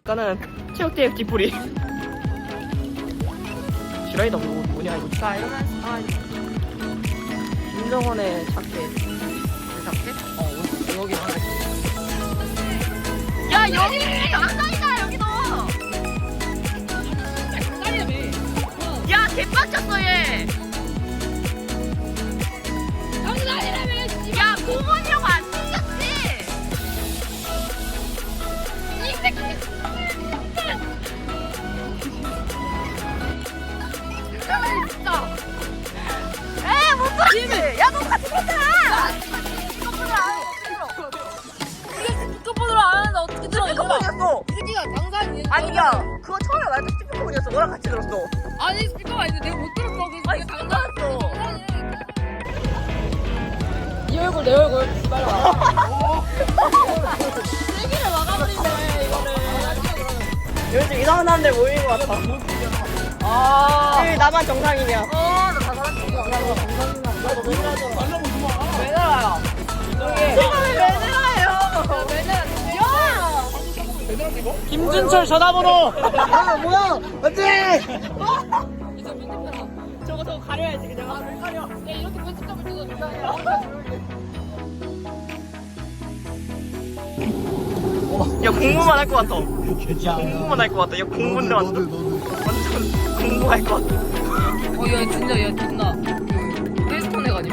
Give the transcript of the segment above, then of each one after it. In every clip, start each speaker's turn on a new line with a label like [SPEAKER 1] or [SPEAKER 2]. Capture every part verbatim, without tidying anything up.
[SPEAKER 1] 이거는 체육대회 뒷풀이. 지라이다 뭐 뭐냐 이거. 자 이러면 아 김정원의 자켓. 그 자켓? 어 여기 하나 있어. 야 여기 강산이다 여기 너. 야 개빡쳤어 얘. 야 공원이라고 안 생겼지? 이 새끼. 진짜. 에이 못 봤지. 야 너 같이 봤잖아.
[SPEAKER 2] 스피커폰으로 안 하는데 어떻게 들어?
[SPEAKER 1] 스피커폰이었어.
[SPEAKER 2] 이 새끼가 장난이야.
[SPEAKER 1] 아니 야 그거 처음에 말했던 스피커폰이었어. 너랑 같이 들었어.
[SPEAKER 2] 아니 스피커가 아닌데 내가 못 들었어. 그래서
[SPEAKER 1] 아니
[SPEAKER 2] 그게
[SPEAKER 1] 장난했어.
[SPEAKER 2] 이 얼굴 내 얼굴 빨리 와. 세기를 막아버리네 이거를.
[SPEAKER 1] 요즘 이상한 사람들 모이는 것 같아. 아. 왜 나만 정상이냐?
[SPEAKER 2] 어나 다 살았지.
[SPEAKER 1] 왜 나라요? 제가 왜 내라요?
[SPEAKER 2] 왜 내놨지?
[SPEAKER 1] 김준철 전화번호. 아 뭐야? 안돼.
[SPEAKER 2] 이제 편집해라.
[SPEAKER 1] 저거 저거 가려야지 그냥. 아 왜 가려?
[SPEAKER 2] 야 이렇게 편집점을 찍어준다.
[SPEAKER 1] 야 공부만 할 것 같아. 공부만 할 것 같아. 야 공부인데 완전 완전 공부할 것 같아.
[SPEAKER 2] 어야 진짜 야 존나 그 헬스톤 해가지고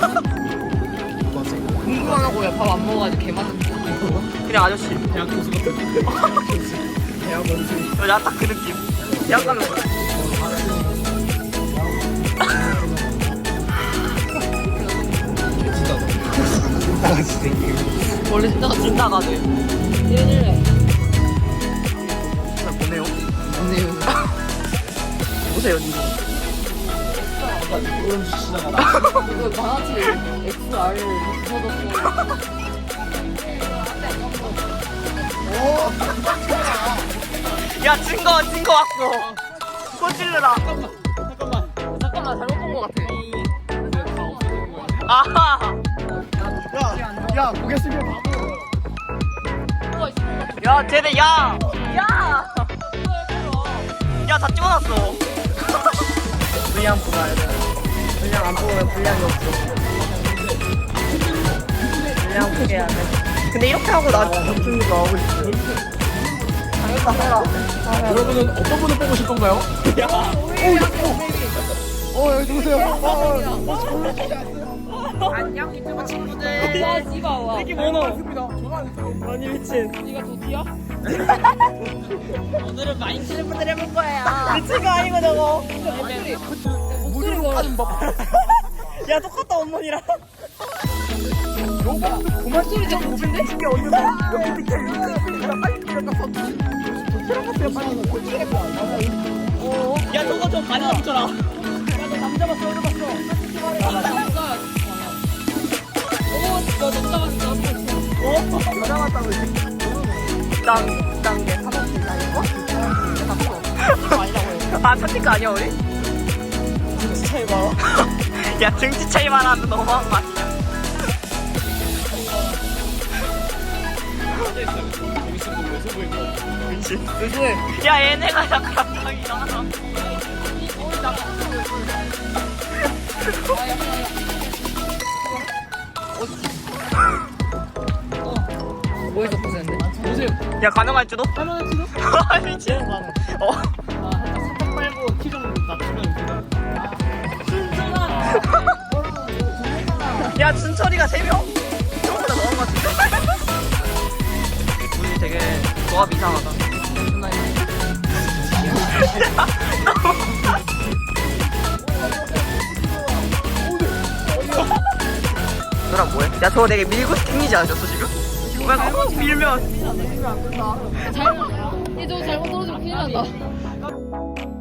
[SPEAKER 2] 공부만 하고 야 밥 안 먹어가지고 개맛은
[SPEAKER 1] 그냥 아저씨.
[SPEAKER 3] 대학 교수 같은 대학 원숭이
[SPEAKER 1] 나 딱 그 느낌. 대학 가면
[SPEAKER 3] 진짜 나같이 생긴
[SPEAKER 1] 원래 진짜 진짜 가네.
[SPEAKER 2] 얘를
[SPEAKER 1] 그냥 보내요.
[SPEAKER 2] 안돼요.
[SPEAKER 1] 보세요 니가.
[SPEAKER 3] 그런 짓 시작하다
[SPEAKER 2] 이거 만화책 엑스알을 붙여뒀어.
[SPEAKER 1] 야 증거 증거 왔어. 꼬질러라.
[SPEAKER 3] 잠깐만
[SPEAKER 2] 잠깐만 잘못 본 것 같아.
[SPEAKER 1] 아하.
[SPEAKER 3] 야야 고개 숙여 바보
[SPEAKER 2] 뭐가 있을 것 같아.
[SPEAKER 1] 야 쟤네 야. 야. 야 다 찍어놨어. 분량 뽑아야 돼. 분량 안 뽑으면 분량이 없어. 분량 보게 해야 돼. 근데 이렇게 하고 나 점수가 나오고 있어. 당했다 해라.
[SPEAKER 3] 여러분은 어떤 분을 뽑으실 건가요? 야 어, 어, 여기 누구세요? 어, 어,
[SPEAKER 2] 안녕 유튜브 친구들. 야 씨발 와.
[SPEAKER 1] 이게 뭐노?
[SPEAKER 3] 반갑습니다. 전화 안 했어요.
[SPEAKER 1] 아니 미친.
[SPEAKER 2] 네가 도티야?
[SPEAKER 1] 오늘은 마인크래프트를 해볼 거야. 미친 거 아니고 저거.
[SPEAKER 2] 목소리.
[SPEAKER 3] 무드로 하는 법.
[SPEAKER 1] 야 똑같다 어머니랑.
[SPEAKER 3] 그만
[SPEAKER 2] 소리 되게 높은데?
[SPEAKER 3] 이게 어디서 여기 밑에 여기 빨리 들어가서 들어갔어요 빨리.
[SPEAKER 1] 어. 야 저거 좀 가져다 붙여라. 야너 남자 봤어 여자 봤어.
[SPEAKER 2] 아 남자. 오, 너 남자 봤어.
[SPEAKER 1] 어?
[SPEAKER 3] 여자 같다고 이제.
[SPEAKER 1] 난, 난게 사먹기다 이거? 이거 아니라고 해. 아 선택 아니야 우리? 등치 차이 봐. 야 등치 차이 말하면 너무한 거 아니야? 그치.
[SPEAKER 2] 누구야?
[SPEAKER 1] 야 얘네가 약간 갑자기 이상하다.
[SPEAKER 2] 어디서 보셨는데?
[SPEAKER 3] 보세요.
[SPEAKER 1] 야 가능할지도?
[SPEAKER 3] 하나는
[SPEAKER 1] 아 미친. 어.
[SPEAKER 3] 사탕 말고 키 정도 낮추면 되잖아.
[SPEAKER 1] 야 준철이가 세 명? 저보다 너무 같은데? 우리 되게 조합 이상하다. 너랑 뭐해? 야 저거 되게 밀고 튕기지 않으셨어 지금? 왜 그거 밀면
[SPEAKER 2] 잘못, 얘저 잘못 떨어지면 큰일 난다.